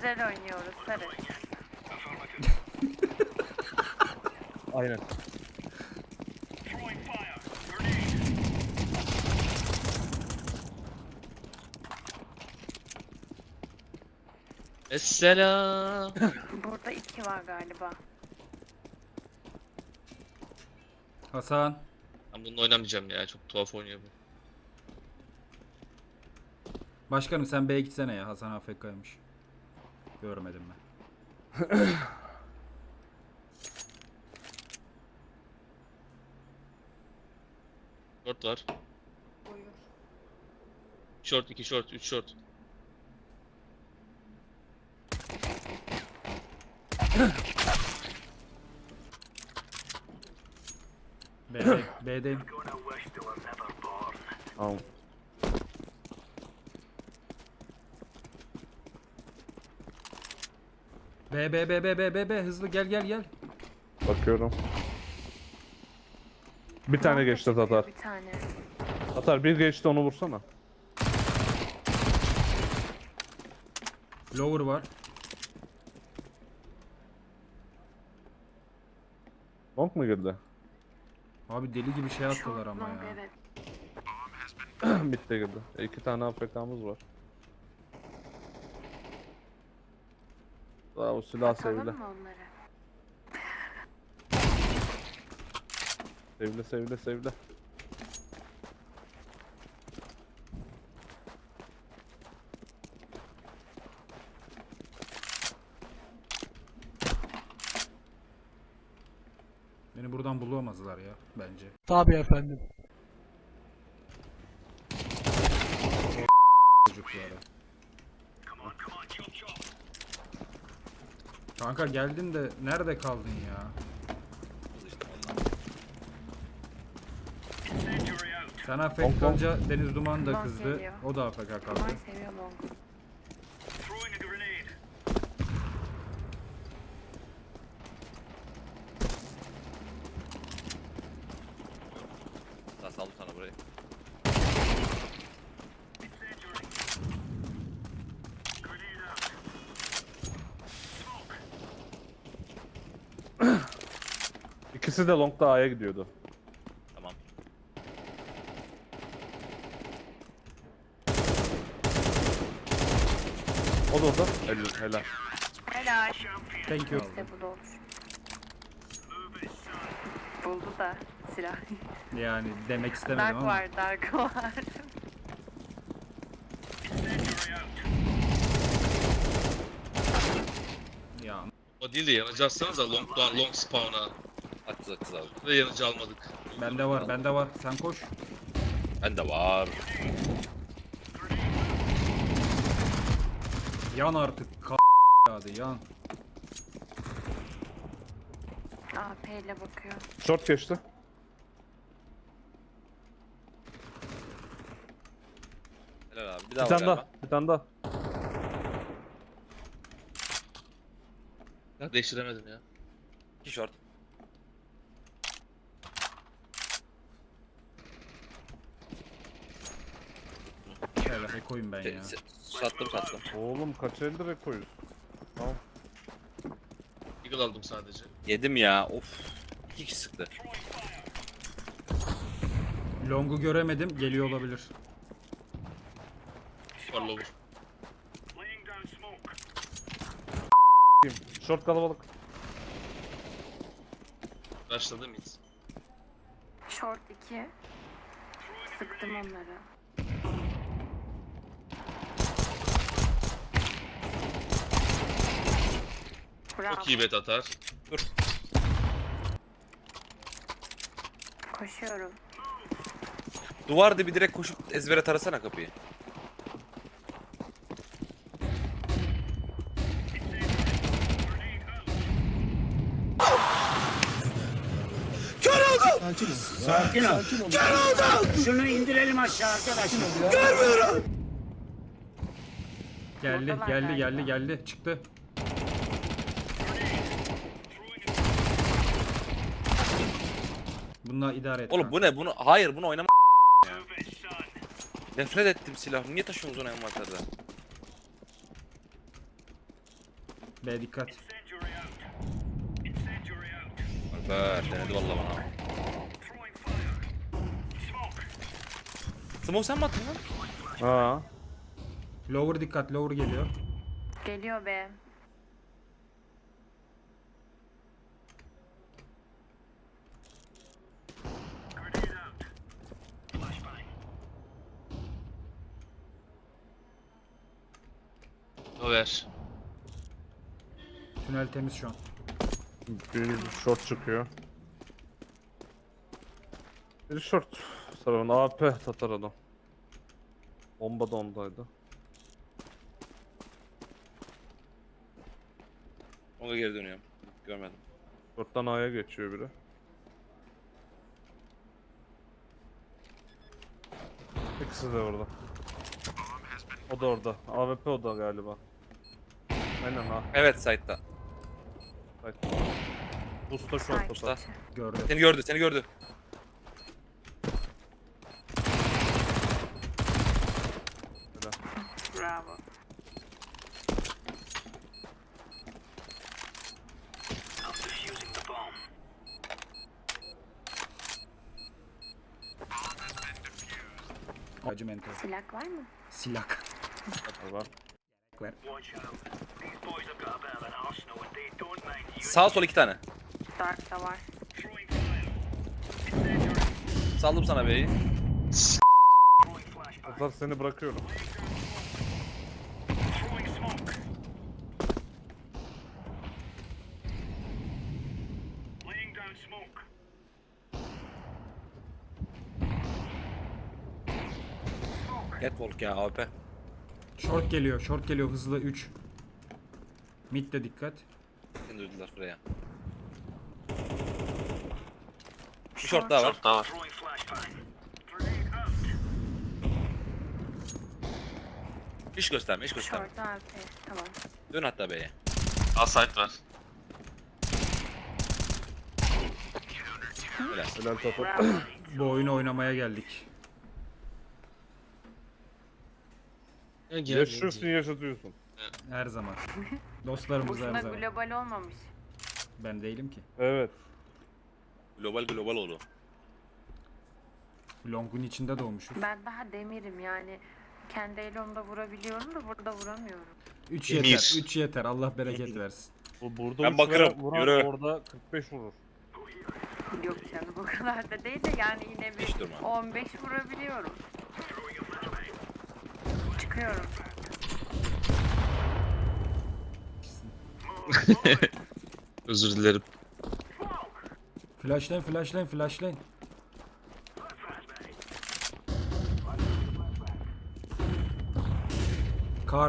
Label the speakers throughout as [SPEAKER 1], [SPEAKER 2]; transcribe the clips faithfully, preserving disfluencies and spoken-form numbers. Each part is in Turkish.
[SPEAKER 1] güzel oynuyoruz Sarı.
[SPEAKER 2] Aynen.
[SPEAKER 3] Esselam.
[SPEAKER 1] Burada iki var galiba.
[SPEAKER 4] Hasan.
[SPEAKER 3] Ben bununla oynamayacağım ya. Çok tuhaf oynuyor bu.
[SPEAKER 4] Başkanım sen B'ye gitsene ya. Hasan A F K'ymış. Görmedim ben.
[SPEAKER 3] Short var.
[SPEAKER 1] Buyur.
[SPEAKER 3] Short, iki short, üç short.
[SPEAKER 4] B'de, B'deyim.
[SPEAKER 2] Tamam.
[SPEAKER 4] B B B B B B B hızlı gel gel gel.
[SPEAKER 2] Bakıyorum. Bir tane geçti Tatar.
[SPEAKER 1] Bir tane.
[SPEAKER 2] Tatar bir geçti, onu vursana.
[SPEAKER 4] Lower var.
[SPEAKER 2] Long mu girdi?
[SPEAKER 4] Abi deli gibi şey attılar
[SPEAKER 1] Short
[SPEAKER 4] ama
[SPEAKER 1] long,
[SPEAKER 4] ya.
[SPEAKER 1] evet.
[SPEAKER 2] Mid'de girdi. E, iki tane A F K'mız var. Daha o silah
[SPEAKER 1] Atalım
[SPEAKER 2] sevile.
[SPEAKER 1] mı onları?
[SPEAKER 2] Sevile sevile sevile.
[SPEAKER 4] Beni buradan bulamazlar ya bence.
[SPEAKER 5] Tabii efendim.
[SPEAKER 4] Çocuklara. Kanka geldin de nerede kaldın ya? Sen A F K kalınca Deniz Duman da
[SPEAKER 1] Long
[SPEAKER 4] kızdı.
[SPEAKER 1] geliyor.
[SPEAKER 4] O da A F K kaldı.
[SPEAKER 1] Aman seviyor long.
[SPEAKER 6] Daha saldım sana burayı.
[SPEAKER 2] İkisi de long'da A'ya gidiyordu.
[SPEAKER 6] Tamam.
[SPEAKER 2] O da orada. Helal. Helal.
[SPEAKER 1] Helal.
[SPEAKER 4] Thank you.
[SPEAKER 1] İşte bu da olur. Buldu da silah.
[SPEAKER 4] Yani demek istemedim
[SPEAKER 1] Dark
[SPEAKER 4] ama.
[SPEAKER 1] var, dark var.
[SPEAKER 4] Ya
[SPEAKER 3] O değil de yanıcı atsanız da long, long spawn'a.
[SPEAKER 6] Atız atız abi.
[SPEAKER 3] Ve yanıcı almadık.
[SPEAKER 4] bende var, bende var. Sen koş.
[SPEAKER 6] Bende var.
[SPEAKER 4] Yan artık. K hadi yan.
[SPEAKER 1] A P ile bakıyor.
[SPEAKER 2] Short geçti.
[SPEAKER 6] Helal abi. Bir
[SPEAKER 2] Bir
[SPEAKER 6] daha var
[SPEAKER 2] tane
[SPEAKER 6] galiba.
[SPEAKER 2] daha. Bir tane daha.
[SPEAKER 3] Ya değiştiremedim ya.
[SPEAKER 6] İki short.
[SPEAKER 4] Şöyle koyayım ben
[SPEAKER 6] Şey,
[SPEAKER 4] ya.
[SPEAKER 6] se- sattım sattım.
[SPEAKER 2] Oğlum kaç elde rekoyuz? Tamam.
[SPEAKER 3] Eagle aldım sadece.
[SPEAKER 6] Yedim ya. Of. İki kişi sıktı.
[SPEAKER 4] Long'u göremedim. Geliyor olabilir.
[SPEAKER 3] Var lower.
[SPEAKER 2] Short kalabalık.
[SPEAKER 3] Rushladı mıyız?
[SPEAKER 1] Short iki. Sıktım onları. Bravo.
[SPEAKER 3] Çok iyi bet atar.
[SPEAKER 1] Koşuyorum.
[SPEAKER 6] Duvar dibi direkt koşup ezbere tarasana kapıyı.
[SPEAKER 7] Sakin ol. Şunu indirelim aşağı arkadaşlar.
[SPEAKER 4] Geldi,
[SPEAKER 1] Oradalar
[SPEAKER 4] geldi,
[SPEAKER 1] galiba.
[SPEAKER 4] geldi, geldi. Çıktı. Bununla idare et.
[SPEAKER 6] Oğlum
[SPEAKER 4] kanka.
[SPEAKER 6] bu ne? Bunu hayır bunu oynama ya. Nefret ettim silah. Niye taşıyorsunuz onu envanterde?
[SPEAKER 4] B dikkat.
[SPEAKER 6] Alper denedi vallahi bana. Smoke sen mi attın lan?
[SPEAKER 2] Ha.
[SPEAKER 4] Lower dikkat, lower geliyor.
[SPEAKER 1] Geliyor be.
[SPEAKER 3] Over.
[SPEAKER 4] Tünel temiz şu an.
[SPEAKER 2] Bir short çıkıyor. Bir short. Sarıvan A P Tatar adam. Bomba da ondaydı.
[SPEAKER 6] Ona geri dönüyorum. Görmedim.
[SPEAKER 2] Short'tan A'ya geçiyor biri. İkisi de orada. O da orada. A W P o da galiba. Aynen ha.
[SPEAKER 6] Evet site'da.
[SPEAKER 2] Bak. Usta short
[SPEAKER 1] Side
[SPEAKER 2] usta.
[SPEAKER 1] içi.
[SPEAKER 4] Gördü.
[SPEAKER 6] Seni gördü, seni gördü.
[SPEAKER 1] Bravo.
[SPEAKER 4] Acımento.
[SPEAKER 1] Silah var mı?
[SPEAKER 4] Silak.
[SPEAKER 2] Var.
[SPEAKER 4] Ver.
[SPEAKER 6] Sağ sol iki tane.
[SPEAKER 1] Dark da var.
[SPEAKER 6] Saldım sana B'yi.
[SPEAKER 2] Tatar seni bırakıyorum.
[SPEAKER 6] Catwalk ya A W P.
[SPEAKER 4] Short geliyor, short geliyor hızlı üç. Mid de dikkat.
[SPEAKER 6] Seni duydular buraya. Bir short daha var.
[SPEAKER 3] Short daha var.
[SPEAKER 6] İş gösterme, iş gösterme.
[SPEAKER 1] Short A P. Tamam.
[SPEAKER 6] Dön hatta B'ye.
[SPEAKER 3] A site var.
[SPEAKER 6] Helal.
[SPEAKER 2] Helal Tatar.
[SPEAKER 1] Bravo.
[SPEAKER 4] Bu oyunu oynamaya geldik.
[SPEAKER 3] Ya gel.
[SPEAKER 2] Yaşıyorsun yaşatıyorsun.
[SPEAKER 4] Her zaman. Dostlarımız her
[SPEAKER 1] Boşuna
[SPEAKER 4] zaman.
[SPEAKER 1] global olmamış.
[SPEAKER 4] Ben değilim ki.
[SPEAKER 2] Evet.
[SPEAKER 6] Global global oldu.
[SPEAKER 4] Long'un içinde doğmuşuz.
[SPEAKER 1] Ben daha demirim yani. Kendi elimde vurabiliyorum da burada vuramıyorum.
[SPEAKER 4] üç
[SPEAKER 3] Demir.
[SPEAKER 4] yeter. üç yeter. Allah bereket versin.
[SPEAKER 2] Bu burada
[SPEAKER 6] Ben
[SPEAKER 2] uç
[SPEAKER 6] bakarım,
[SPEAKER 2] veren- vuran
[SPEAKER 6] yürü.
[SPEAKER 2] orada kırk beş vurur.
[SPEAKER 1] Yok canım o kadar da değil de yani yine
[SPEAKER 6] Hiç
[SPEAKER 1] bir
[SPEAKER 6] durma.
[SPEAKER 1] on beş vurabiliyorum. Çıkıyorum.
[SPEAKER 3] Özür dilerim.
[SPEAKER 4] Flashlayın, flashlayın, flashlayın. Kar.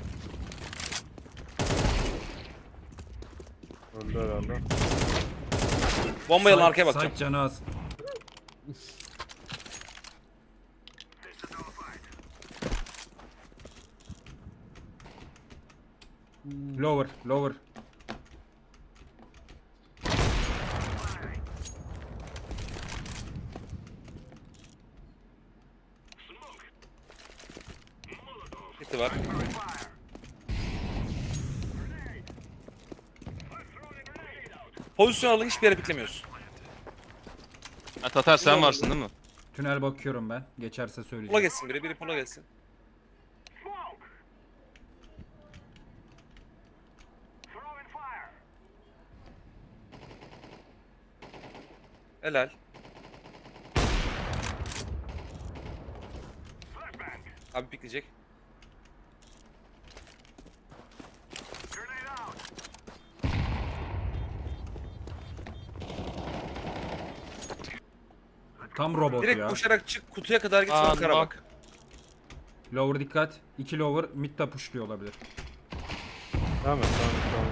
[SPEAKER 2] Öldü herhalde.
[SPEAKER 6] Bombayı alın
[SPEAKER 4] Side-
[SPEAKER 6] arkaya bakacağım.
[SPEAKER 4] Side canı az. Lower, lower.
[SPEAKER 6] Hiti var. Pozisyon alın, hiçbir yere piklemiyoruz.
[SPEAKER 3] Ha, Tatar sen varsın değil mi?
[SPEAKER 4] Tünel bakıyorum ben. Geçerse
[SPEAKER 6] Pola
[SPEAKER 4] söyleyeceğim.
[SPEAKER 6] geçsin biri, biri pola geçsin. Helal. Abi pikleyecek.
[SPEAKER 4] Tam robot
[SPEAKER 6] Direkt
[SPEAKER 4] ya.
[SPEAKER 6] koşarak çık kutuya kadar git
[SPEAKER 3] Aa,
[SPEAKER 6] sonra kara
[SPEAKER 3] bak.
[SPEAKER 6] bak.
[SPEAKER 4] Lower dikkat. iki lower mid de pushluyor olabilir.
[SPEAKER 2] Tamam tamam tamam.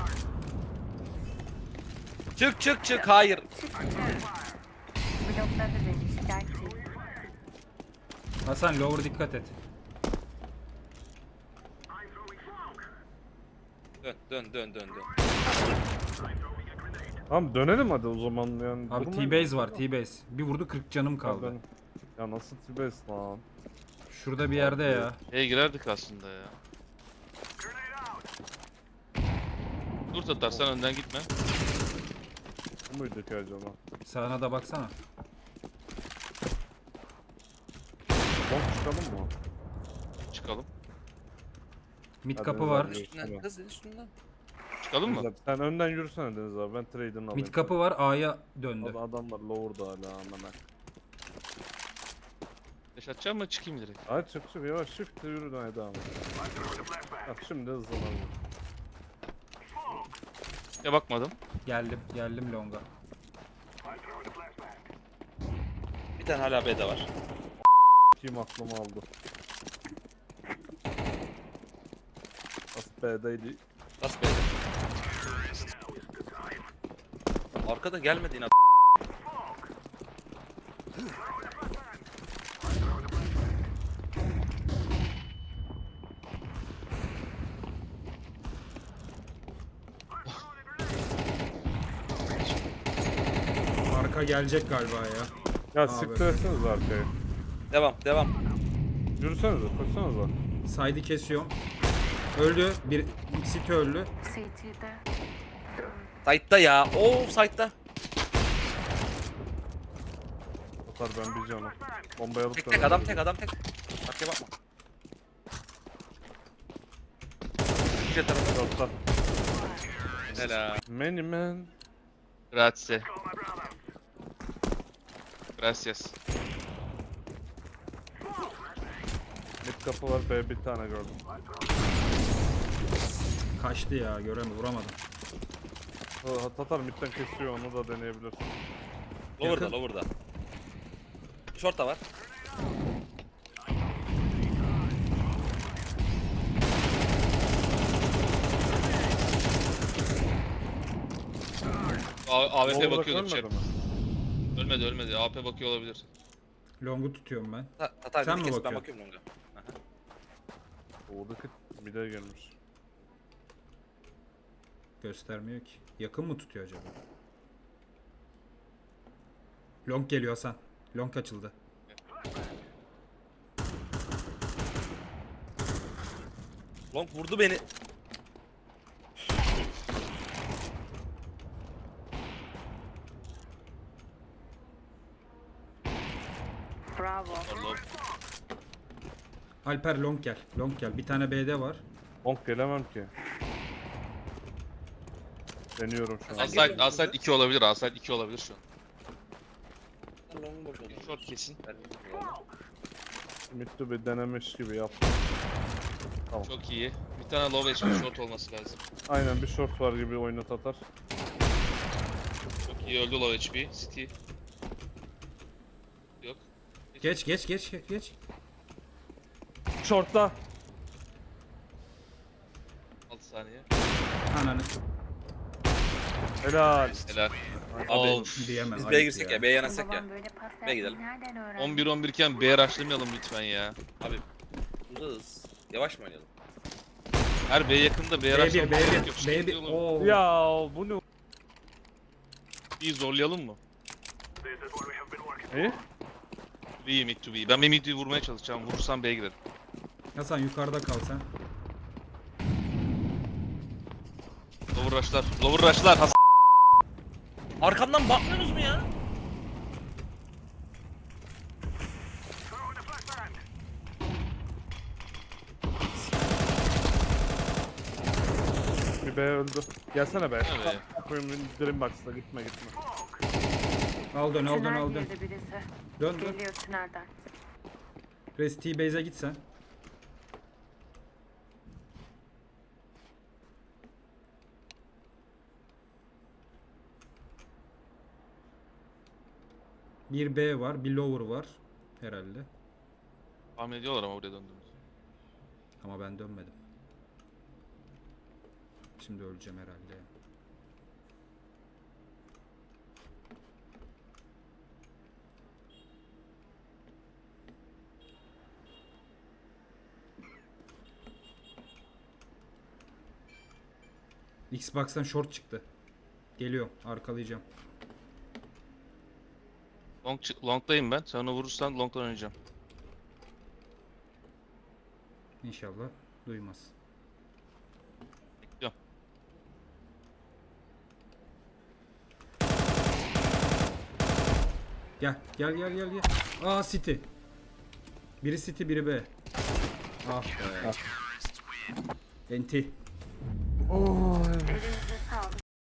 [SPEAKER 6] Çık çık çık hayır.
[SPEAKER 1] Blokladı beni şikayetçiyim.
[SPEAKER 4] Hasan lower dikkat et.
[SPEAKER 6] Dön dön dön dön dön.
[SPEAKER 2] Tamam dönelim hadi o zaman yani.
[SPEAKER 4] Abi
[SPEAKER 2] durmayın.
[SPEAKER 4] T-base var T-base. Bir vurdu kırk canım
[SPEAKER 2] Ya
[SPEAKER 4] kaldı.
[SPEAKER 2] ben- Ya nasıl T-base lan?
[SPEAKER 4] Şurada bir yerde ya.
[SPEAKER 3] E girerdik aslında ya. Dur Tatar sen önden gitme.
[SPEAKER 2] Bu muydu ki acaba?
[SPEAKER 4] Sağına da baksana.
[SPEAKER 2] Long çıkalım mı?
[SPEAKER 3] Çıkalım.
[SPEAKER 4] Mid
[SPEAKER 2] Hadi
[SPEAKER 4] kapı
[SPEAKER 2] Deniz
[SPEAKER 4] var.
[SPEAKER 2] abi,
[SPEAKER 6] Üstünden
[SPEAKER 2] yürüsene.
[SPEAKER 6] kız üstünden.
[SPEAKER 3] Çıkalım
[SPEAKER 2] Deniz
[SPEAKER 3] mı?
[SPEAKER 2] abi, sen önden yürüsene Deniz abi, ben trade'ini alayım.
[SPEAKER 4] Mid kapı var. A'ya döndü.
[SPEAKER 2] Ad- Adamlar lower'da hala amına.
[SPEAKER 3] Deş atacağım mı çıkayım direkt?
[SPEAKER 2] Hadi çık çık yavaş shift yürü hadi devam et. Bak şimdi hızlanalım.
[SPEAKER 3] Ya bakmadım.
[SPEAKER 4] Geldim. Geldim longa.
[SPEAKER 6] Bir tane hala B'de var.
[SPEAKER 2] Kim aklımı aldı. As B'deydi.
[SPEAKER 6] Bas B'de. Arkada gelmedi yine.
[SPEAKER 4] Arka gelecek galiba ya.
[SPEAKER 2] Ya
[SPEAKER 4] Abi.
[SPEAKER 2] siktir etseniz arkaya.
[SPEAKER 6] Devam devam.
[SPEAKER 2] Yürüsenize koşsanıza.
[SPEAKER 4] Side'i kesiyorum. Öldü. Bir City öldü.
[SPEAKER 1] C T'de.
[SPEAKER 6] Side'da ya. Oo side'da.
[SPEAKER 2] Atar ben bir canım. Bombayı alıp
[SPEAKER 6] Tek
[SPEAKER 2] da-
[SPEAKER 6] tek adam tek adam tek. Arkaya bakma. Jet tarafı.
[SPEAKER 2] Short'ta.
[SPEAKER 6] Helal.
[SPEAKER 2] Many man.
[SPEAKER 3] Grazie. Gracias.
[SPEAKER 2] Mid kapı var B bir tane gördüm.
[SPEAKER 4] Kaçtı ya. Göremiyorum. Vuramadım.
[SPEAKER 2] Ha, Tatar midden kesiyor onu da deneyebilirsin.
[SPEAKER 6] Lower'da
[SPEAKER 4] Yakın.
[SPEAKER 6] lower'da. Short da var.
[SPEAKER 3] A- AWP
[SPEAKER 2] Lower'da
[SPEAKER 3] bakıyordur
[SPEAKER 2] ölmedi
[SPEAKER 3] chat.
[SPEAKER 2] mi?
[SPEAKER 3] Ölmedi ölmedi. A W P bakıyor olabilir.
[SPEAKER 4] Long'u tutuyorum ben.
[SPEAKER 6] Ta Tatar
[SPEAKER 4] Sen
[SPEAKER 6] bir
[SPEAKER 4] mi
[SPEAKER 6] kes ben
[SPEAKER 4] bakıyorsun?
[SPEAKER 6] bakıyorum longa.
[SPEAKER 2] Oradaki mid'e gelmiş.
[SPEAKER 4] Göstermiyor ki. Yakın mı tutuyor acaba? Long geliyor Hasan. Long açıldı.
[SPEAKER 6] Long vurdu beni.
[SPEAKER 1] Bravo.
[SPEAKER 3] Allah.
[SPEAKER 4] Alper long gel. Long gel. Bir tane B'de var.
[SPEAKER 2] Long gelemem ki. Deniyorum şu an.
[SPEAKER 3] Aside, Aside iki olabilir. Aside iki olabilir şu an.
[SPEAKER 6] Long boş oldu.
[SPEAKER 3] Short kesin.
[SPEAKER 2] Mid'de bir denemiş gibi yap.
[SPEAKER 3] Çok iyi. Bir tane low H P short olması lazım.
[SPEAKER 2] Aynen bir short var gibi oyunu Tatar.
[SPEAKER 3] Çok iyi öldü low H P. City. Yok.
[SPEAKER 4] Geç geç geç geç.
[SPEAKER 2] Short'ta.
[SPEAKER 3] altı saniye.
[SPEAKER 4] Ananı
[SPEAKER 2] Helal.
[SPEAKER 3] Helal.
[SPEAKER 6] Abi
[SPEAKER 3] Of.
[SPEAKER 4] diyemem.
[SPEAKER 6] biz
[SPEAKER 4] ayıp
[SPEAKER 6] B'ye girsek
[SPEAKER 4] ya.
[SPEAKER 6] ya B'ye yanaşsak ya.
[SPEAKER 1] Babam böyle pas
[SPEAKER 6] B'ye gidelim.
[SPEAKER 1] yapmayı nereden öğrendi?
[SPEAKER 3] on bir on bir iken B'ye rushlamayalım lütfen ya.
[SPEAKER 6] Abi hız. Yavaş mı oynayalım?
[SPEAKER 3] Her B yakında B'ye
[SPEAKER 4] B bir
[SPEAKER 3] rushlamak
[SPEAKER 4] B
[SPEAKER 3] gerek yok.
[SPEAKER 4] bir
[SPEAKER 3] Şey
[SPEAKER 4] B bir.
[SPEAKER 3] oğlum.
[SPEAKER 4] Oo.
[SPEAKER 2] Ya bu ne?
[SPEAKER 3] Bir zorlayalım mı?
[SPEAKER 2] İyi.
[SPEAKER 3] B mid to B. Ben bir mid'i vurmaya çalışacağım. Vurursam B'ye girerim.
[SPEAKER 4] Hasan yukarıda kal sen.
[SPEAKER 3] Lower rush'lar. Lower rush'lar. Hasan.
[SPEAKER 6] Arkamdan bakmıyorsunuz mu ya?
[SPEAKER 2] Bir B öldü. Gelsene be.
[SPEAKER 3] Evet.
[SPEAKER 2] Koyun Dream Box'ta gitme gitme.
[SPEAKER 4] Al dön al dön
[SPEAKER 1] Tünel
[SPEAKER 4] al dön.
[SPEAKER 1] girdi birisi.
[SPEAKER 4] Dön dön.
[SPEAKER 1] Geliyor tünelden.
[SPEAKER 4] Rest T-Base'e git sen. Bir B var, bir lower var herhalde.
[SPEAKER 3] Tahmin ediyorlar ama buraya döndüğümüzü.
[SPEAKER 4] Ama ben dönmedim. Şimdi öleceğim herhalde. ya. Xbox'tan short çıktı. Geliyorum, arkalayacağım.
[SPEAKER 3] Long, long'dayım ben. Sen onu vurursan long'dan oynayacağım.
[SPEAKER 4] İnşallah duymaz.
[SPEAKER 3] Bekliyorum.
[SPEAKER 4] Gel gel gel gel gel. Aa City. Biri City biri B. Ah be. Enti.
[SPEAKER 2] Oy.
[SPEAKER 1] Derin